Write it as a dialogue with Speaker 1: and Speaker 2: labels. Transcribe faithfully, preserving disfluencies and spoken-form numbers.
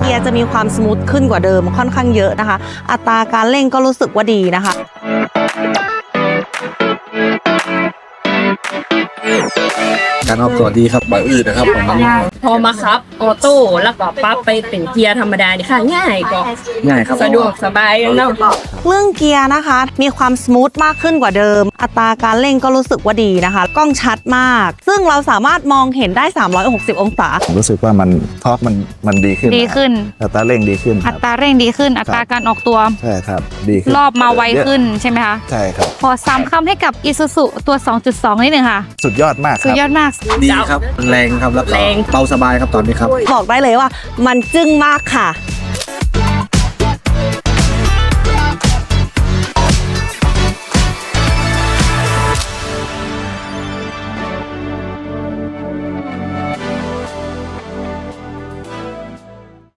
Speaker 1: กียร์จะมีความสมูทขึ้นกว่าเดิมค่อนข้างเยอะนะคะ อัตราการเร่งก็รู้สึกว่าดีนะคะ
Speaker 2: การออกตัวดีครับแบบอื่นนะครับผมมัน
Speaker 3: พอมาครับออโต้แล้วก็ปั๊บไปเป็นเกียร์ธรรมดานี่ค่ะง่ายก็
Speaker 2: ง่ายครับ
Speaker 3: สะดวกสบายเนาะ
Speaker 1: เรื่องเกียร์นะคะมีความสมูทมากขึ้นกว่าเดิม อัตราการเร่งก็รู้สึกว่าดีนะคะกล้องชัดมาก ซึ่งเราสามารถมองเห็นได้สามร้อยหกสิบองศา
Speaker 4: ผมรู้สึกว่ามันทอร์กมันมันดีขึ้น
Speaker 5: ดีขึ้น
Speaker 4: อัตราเร่งดีขึ้นค
Speaker 5: อั
Speaker 4: รับ
Speaker 5: ตราเร่งดีขึ้น อัตราการออกตัว
Speaker 4: ใช่ครับดีขึ้น
Speaker 5: รอบมาไวขึ้นใช่ไหมคะ
Speaker 4: ใช่ครับ
Speaker 5: ขอสามคำให้กับ Isuzu ตัว สองจุดสอง นิดหนึ่งค่ะ
Speaker 4: สุดยอดมากค
Speaker 5: สุด
Speaker 4: รับ
Speaker 5: ยอดมาก
Speaker 2: ดีครับแรงครับแล้วก็เบาสบายครับตอนนี้ครับ
Speaker 1: บอกได้เลยว่ามันจึ้งมากค่ะ